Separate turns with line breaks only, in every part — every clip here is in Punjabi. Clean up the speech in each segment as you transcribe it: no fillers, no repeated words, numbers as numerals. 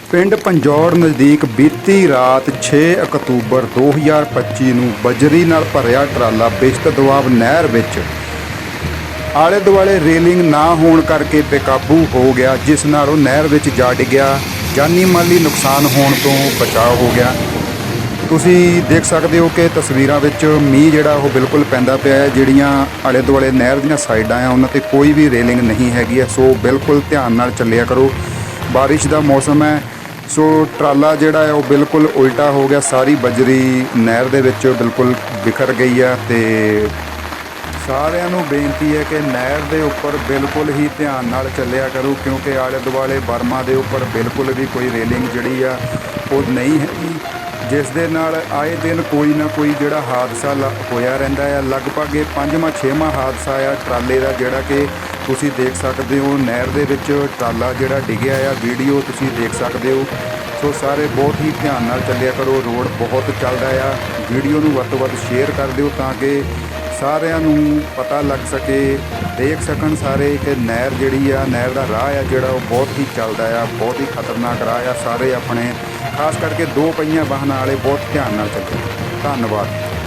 ਪਿੰਡ ਪੰਜੌੜ ਨਜ਼ਦੀਕ ਬੀਤੀ ਰਾਤ 6 ਅਕਤੂਬਰ 2025 ਨੂੰ ਬਜਰੀ ਨਾਲ ਭਰਿਆ ਟਰਾਲਾ ਬਿਸ਼ਤ ਦੁਆਬ ਨਹਿਰ ਵਿੱਚ ਆਲੇ ਦੁਆਲੇ ਰੇਲਿੰਗ ਨਾ ਹੋਣ ਕਰਕੇ ਬੇਕਾਬੂ ਹੋ ਗਿਆ, ਜਿਸ ਨਾਲ ਉਹ ਨਹਿਰ ਵਿੱਚ ਜਾ ਡਿੱਗਿਆ। ਜਾਨੀ ਮਾਲੀ ਨੁਕਸਾਨ ਹੋਣ ਤੋਂ ਬਚਾਅ ਹੋ ਗਿਆ। ਤੁਸੀਂ ਦੇਖ ਸਕਦੇ ਹੋ ਕਿ ਤਸਵੀਰਾਂ ਵਿੱਚ ਮੀਂਹ ਜਿਹੜਾ ਉਹ ਬਿਲਕੁਲ ਪੈਂਦਾ ਪਿਆ ਹੈ। ਜਿਹੜੀਆਂ ਆਲੇ ਦੁਆਲੇ ਨਹਿਰ ਦੀਆਂ ਸਾਈਡਾਂ ਆ ਉਹਨਾਂ 'ਤੇ ਕੋਈ ਵੀ ਰੇਲਿੰਗ ਨਹੀਂ ਹੈਗੀ ਹੈ, ਸੋ ਬਿਲਕੁਲ ਧਿਆਨ ਨਾਲ ਚੱਲਿਆ ਕਰੋ। ਬਾਰਿਸ਼ ਦਾ ਮੌਸਮ ਹੈ, ਸੋ ਟਰਾਲਾ ਜਿਹੜਾ ਹੈ ਉਹ ਬਿਲਕੁਲ ਉਲਟਾ ਹੋ ਗਿਆ। ਸਾਰੀ ਬਜਰੀ ਨਹਿਰ ਦੇ ਵਿੱਚ ਬਿਲਕੁਲ ਬਿਖਰ ਗਈ ਆ। ਤੇ ਸਾਰਿਆਂ ਨੂੰ ਬੇਨਤੀ ਹੈ ਕਿ ਨਹਿਰ ਦੇ ਉੱਪਰ ਬਿਲਕੁਲ ਹੀ ਧਿਆਨ ਨਾਲ ਚੱਲਿਆ ਕਰੋ, ਕਿਉਂਕਿ ਆਲੇ ਦੁਆਲੇ ਬਰਮਾਂ ਦੇ ਉੱਪਰ ਬਿਲਕੁਲ ਵੀ ਕੋਈ ਰੇਲਿੰਗ ਜਿਹੜੀ ਆ ਉਹ ਨਹੀਂ ਹੈਗੀ, ਜਿਸ ਦੇ ਨਾਲ ਆਏ ਦਿਨ ਕੋਈ ਨਾ ਕੋਈ ਜਿਹੜਾ ਹਾਦਸਾ ਹੋਇਆ ਰਹਿੰਦਾ ਹੈ। ਲਗਭਗ ਇਹ 5ਵਾਂ-6ਵਾਂ ਹਾਦਸਾ ਆ ਟਰਾਲੇ ਦਾ, ਜਿਹੜਾ ਕਿ ਤੁਸੀਂ ਦੇਖ ਸਕਦੇ ਹੋ। ਨਹਿਰ ਦੇ ਵਿੱਚ ਟਰਾਲਾ ਜਿਹੜਾ ਡਿੱਗਿਆ ਆ, ਵੀਡੀਓ ਤੁਸੀਂ ਦੇਖ ਸਕਦੇ ਹੋ। ਸੋ ਸਾਰੇ ਬਹੁਤ ਹੀ ਧਿਆਨ ਨਾਲ ਚੱਲਿਆ ਕਰੋ। ਰੋਡ ਬਹੁਤ ਚੱਲਦਾ ਆ। ਵੀਡੀਓ ਨੂੰ ਵੱਧ ਤੋਂ ਵੱਧ ਸ਼ੇਅਰ ਕਰ ਦਿਓ ਤਾਂ ਕਿ ਸਾਰਿਆਂ ਨੂੰ ਪਤਾ ਲੱਗ ਸਕੇ, ਦੇਖ ਸਕਣ ਸਾਰੇ ਕਿ ਨਹਿਰ ਜਿਹੜੀ ਆ, ਨਹਿਰ ਦਾ ਰਾਹ ਆ ਜਿਹੜਾ ਉਹ ਬਹੁਤ ਹੀ ਚੱਲਦਾ ਆ, ਬਹੁਤ ਹੀ ਖਤਰਨਾਕ ਰਾਹ ਆ। ਸਾਰੇ ਆਪਣੇ ਖਾਸ ਕਰਕੇ 2 ਪਹੀਆਂ ਵਾਹਨਾਂ ਵਾਲੇ ਬਹੁਤ ਧਿਆਨ ਨਾਲ ਚੱਲੋ। ਧੰਨਵਾਦ।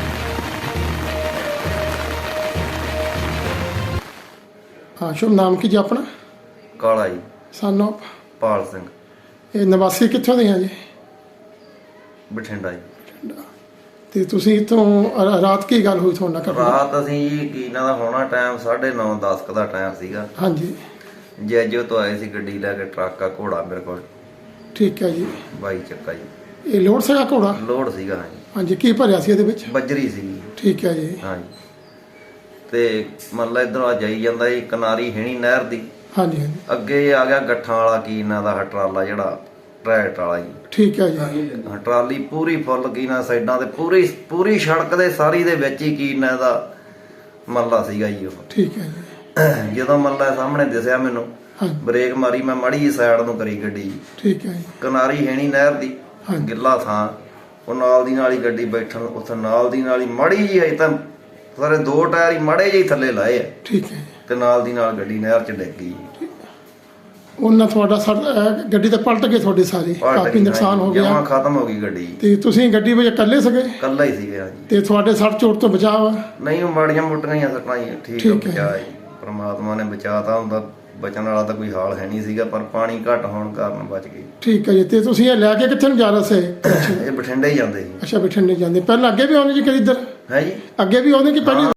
हाँ शुभ नाम की जी अपना?
काला जी
सन ऑफ
पाल सिंह
ਇਹ ਨਿਵਾਸੀ ਕਿੱਥੋਂ ਦੇ ਆ ਜੀ?
ਬਠਿੰਡਾ ਜੀ।
ਤੇ ਤੁਸੀਂ ਇੱਥੋਂ ਰਾਤ ਕੀ ਗੱਲ ਹੋਈ ਤੁਹਾਡੇ ਨਾਲ?
ਰਾਤ ਅਸੀਂ ਜੀ ਕੀ ਇਹਨਾਂ ਦਾ ਹੋਣਾ ਟਾਈਮ 9:30 10 ਦਾ ਟਾਈਮ ਸੀਗਾ।
ਹਾਂਜੀ
ਜੈਜੋ ਤੋਂ ਆਏ ਸੀ ਗੱਡੀ ਲੈ ਕੇ, ਟਰੱਕ ਆ ਘੋੜਾ ਮੇਰੇ ਕੋਲ,
ਠੀਕ ਹੈ ਜੀ।
22 ਚੱਕਾ ਜੀ।
ਇਹ ਲੋਡ ਸੀਗਾ ਘੋੜਾ?
ਲੋਡ ਸੀਗਾ ਜੀ।
ਹਾਂਜੀ, ਕੀ ਭਰਿਆ ਸੀ ਇਹਦੇ ਵਿੱਚ?
ਬੱਜਰੀ ਸੀਗੀ।
ਠੀਕ ਹੈ ਜੀ।
ਹਾਂਜੀ, ਤੇ ਮਤਲਬ ਇਧਰੋਂ ਆ ਜਾਈ ਜਾਂਦਾ ਜੀ, ਕਿਨਾਰੀ ਹੈਣੀ ਨਹਿਰ ਦੀ।
ਹਾਂਜੀ ਹਾਂਜੀ,
ਅੱਗੇ ਆ ਗਿਆ ਗੱਠਾਂ ਵਾਲਾ ਕੀ ਇਹਨਾਂ ਦਾ ਟਰਾਲਾ, ਜਿਹੜਾ ਟਰੈਕਟ ਵਾਲਾ ਜੀ।
ਠੀਕ ਹੈ ਜੀ।
ਟਰਾਲੀ ਪੂਰੀ ਫੁੱਲ ਕੀ ਨਾ ਸਾਈਡਾਂ ਤੇ ਪੂਰੀ ਸੜਕ ਦੇ ਸਾਰੀ ਦੇ ਵਿੱਚ ਹੀ ਕੀ ਨਾ ਇਹਦਾ ਮੱਲਾ ਸੀਗਾ ਜੀ ਉਹ।
ਠੀਕ ਹੈ ਜੀ।
ਜਦੋਂ ਮੱਲਾ ਸਾਹਮਣੇ ਦਿਸਿਆ ਮੈਨੂੰ,
ਹਾਂਜੀ,
ਬ੍ਰੇਕ ਮਾਰੀ, ਮੈਂ ਮਾੜੀ ਜੀ ਸਾਈਡ ਨੂੰ ਕਰੀ ਗੱਡੀ।
ਠੀਕ ਹੈ ਜੀ।
ਕਿਨਾਰੀ ਹੈਣੀ ਨਹਿਰ ਦੀ,
ਹਾਂਜੀ,
ਗਿੱਲਾ ਥਾਂ, ਉਹ ਨਾਲ ਦੀ ਨਾਲ ਹੀ ਗੱਡੀ ਬੈਠਣ, ਉੱਥੇ ਨਾਲ ਦੀ ਨਾਲ ਹੀ ਮਾੜੀ ਜੀ ਅਜੇ ਤਾਂ ਸਾਰੇ 2 ਟਾਇਰ ਹੀ ਮਾੜੇ ਜਿਹੇ ਥੱਲੇ ਲਾਏ ਆ,
ਠੀਕ ਹੈ ਜੀ।
ਤੇ ਨਾਲ ਦੀ ਨਾਲ ਗੱਡੀ ਨਹਿਰ 'ਚ ਡਿੱਗ ਗਈ।
ਉਹਨਾਂ ਤੁਹਾਡਾ ਗੱਡੀ ਤਾਂ ਪਲਟ ਗਈ ਤੁਹਾਡੀ ਸਾਰੀ, ਕਾਫੀ ਨੁਕਸਾਨ ਹੋ ਗਿਆ,
ਜਮਾਂ ਖਤਮ ਹੋ ਗਈ ਗੱਡੀ।
ਤੇ ਤੁਸੀਂ ਗੱਡੀ ਵਿੱਚ ਇਕੱਲੇ ਸੀਗੇ?
ਇਕੱਲਾ ਹੀ ਸੀਗਾ ਜੀ।
ਤੇ ਤੁਹਾਡੇ ਸੱਟ ਚੋਟ ਤੋਂ ਬਚਾਅ ਵਾ?
ਨਹੀਂ, ਉਹ ਮਾੜੀਆਂ ਮੋਟੀਆਂ ਹੀ ਸੱਟਾਂ ਜੀ, ਠੀਕ
ਠੀਕ ਹੈ
ਬਚਾ ਜੀ। ਪਰਮਾਤਮਾ ਨੇ ਬਚਾਤਾ, ਹੁੰਦਾ ਬਚਣ ਵਾਲਾ ਤਾਂ ਕੋਈ ਹਾਲ ਹੈ ਨਹੀਂ ਸੀਗਾ, ਪਰ ਪਾਣੀ ਘੱਟ ਹੋਣ ਕਾਰਨ ਬਚ ਗਈ।
ਠੀਕ ਹੈ ਜੀ। ਤੇ ਤੁਸੀਂ ਇਹ ਲੈ ਕੇ ਕਿੱਥੇ ਨੂੰ ਜਾ ਰਹੇ ਸੀ?
ਇਹ ਬਠਿੰਡੇ ਹੀ ਜਾਂਦੇ ਸੀ।
ਅੱਛਾ, ਬਠਿੰਡੇ ਜਾਂਦੇ। ਪਹਿਲਾਂ ਅੱਗੇ ਵੀ ਆਉਂਦੇ ਜੀ ਕਦੀ ਇੱਧਰ?
ਹੈ ਜੀ,
ਅੱਗੇ ਵੀ ਆਉਂਦੇ ਕਿ ਪਹਿਲੀ?